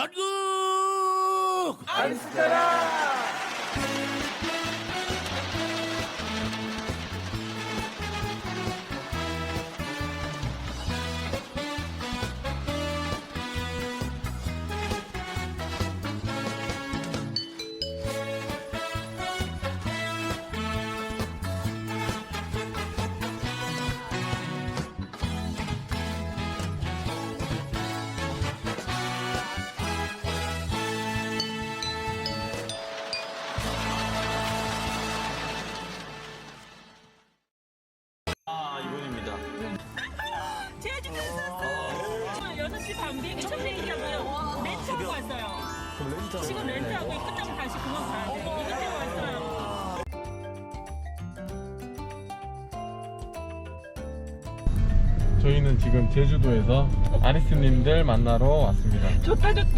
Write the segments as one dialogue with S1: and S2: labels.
S1: 전국
S2: 아리스타라.
S1: 이분입니다.
S3: 제주 갔었어요. 6시 반 비행기 첫 비행기라고요. 렌트하고 왔어요. 지금 렌트하고 끝나면 다시 공항 가야 돼요. 이거 태워 왔어요.
S4: 저희는 지금 제주도에서 아리스님들 만나러 왔습니다.
S2: 좋다 좋다.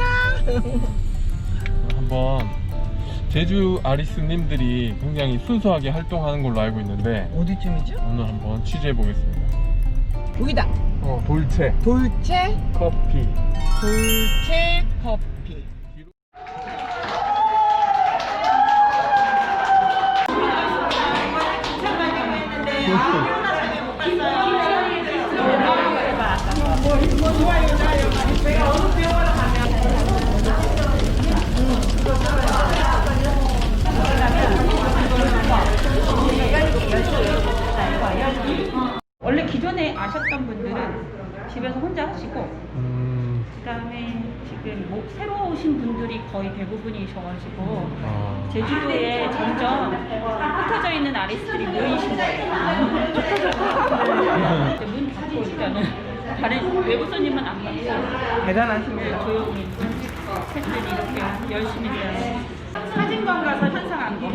S4: 한번 제주 아리스님들이 굉장히 순수하게 활동하는 걸로 알고 있는데
S2: 어디쯤이죠?
S4: 오늘 한번 취재해 보겠습니다.
S2: 여기다.
S4: 돌체
S2: 돌체
S4: 커피.
S2: 돌체 커피.
S3: 원래 기존에 아셨던 분들은 집에서 혼자 하시고 그다음에 지금 새로 오신 분들이 거의 대부분이셔가지고 제주도에 점점 흩어져 있는 아리스들이 모이신 거예요. 이제 문 닫고 일단은 다른 외부 손님은 안 받고
S2: 대단하십니다.
S3: 조용히 셋들이 이렇게 열심히 일하는 사진관 가서 현상 안기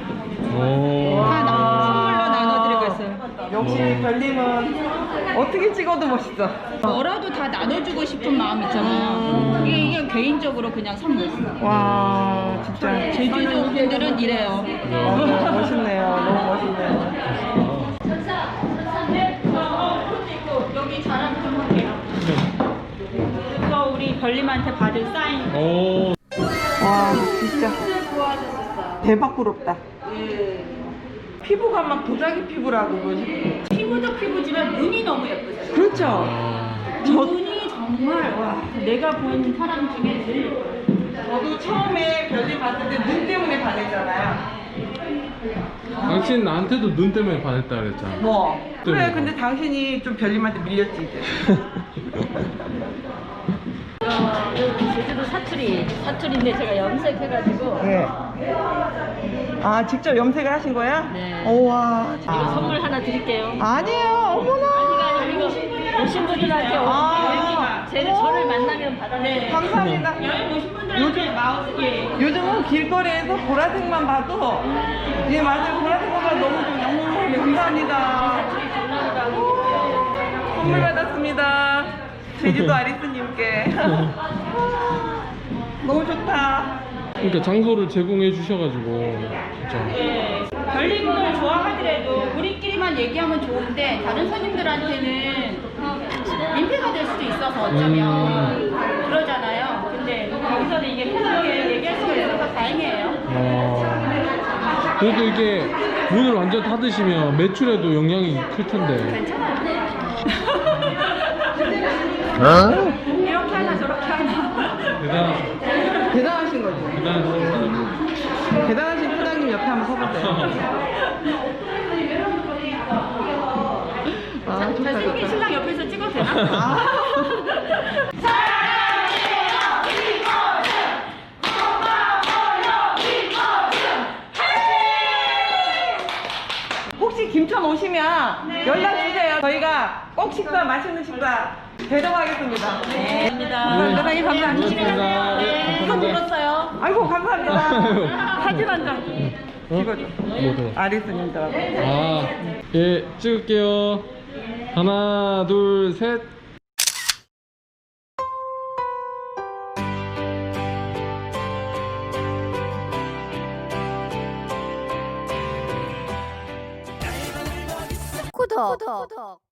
S3: 선물로 나눠드리고 있어요.
S2: 역시 별님은 어떻게 찍어도 멋있어.
S3: 뭐라도 다 나눠주고 싶은 마음 있잖아요. 이게 개인적으로 그냥 선물.
S2: 와 진짜
S3: 제주도 분들은 이래요.
S2: 멋있네요. 너무 멋있네요.
S3: 여기 자랑 좀 할게요. 이거 우리 별님한테 받은 사인.
S2: 와 진짜 대박 부럽다. 피부가 막 도자기 피부라고 그러지.
S3: 피부도 피부지만 눈이 너무 예쁘세요.
S2: 그렇죠.
S3: 눈이 정말 와 내가 본 사람 중에 제일 예뻐요.
S2: 저도 처음에 별님 봤을 때 눈 때문에 반했잖아요.
S4: 당신 나한테도 눈 때문에 반했다 그랬잖아.
S2: 뭐 그래 근데 당신이 좀 별님한테 밀렸지 이제.
S3: 제주도 사투리인데 제가 염색해가지고
S2: 예. 아 직접 염색을 하신 거야?
S3: 네.
S2: 오와.
S3: 이거 선물 하나 드릴게요.
S2: 아니에요. 어머나.
S3: 아니가 이거 오신 분들한테 저를 만나면 받아내.
S2: 감사합니다.
S3: 여행 오신 분들한테 마우스에
S2: 요즘은 길거리에서 보라색만 봐도 예 맞아요. 보라색만 봐도 너무 좀 영웅 감사합니다. 선물 받았습니다. 제주도 아리스님께. 너무 좋다.
S4: 그러니까 장소를 제공해 주셔가지고 진짜.
S3: 네. 별님을 좋아하더라도 우리끼리만 얘기하면 좋은데 다른 손님들한테는 민폐가 될 수도 있어서 어쩌면 그러잖아요. 근데 여기서는 이게 편하게 얘기할 수가 있어서 다행이에요.
S4: 그래도 이게 문을 완전 닫으시면 매출에도 영향이 클 텐데.
S3: 괜찮아요. 이렇게 하나 저렇게 하나.
S2: 대단하신 거죠.
S4: 대단하신
S2: 대단하신 부장님 옆에 한번 서보세요. 아, 좋다,
S3: 잘생긴
S2: 좋다.
S3: 신랑 옆에서 찍어도 되나?
S2: 아. 혹시 김천 오시면 연락 주세요. 저희가 꼭 식사, 맛있는 식사 대접하겠습니다.
S3: 네.
S2: 감사합니다. 사장님 감사합니다.
S3: 네. 형 불렀어요.
S2: 아이고 감사합니다.
S3: 사진 한 장.
S2: 찍어줘.
S4: 뭐죠?
S2: 아리스님들하고.
S4: 예, 찍을게요. 하나, 둘, 셋.
S5: 구독.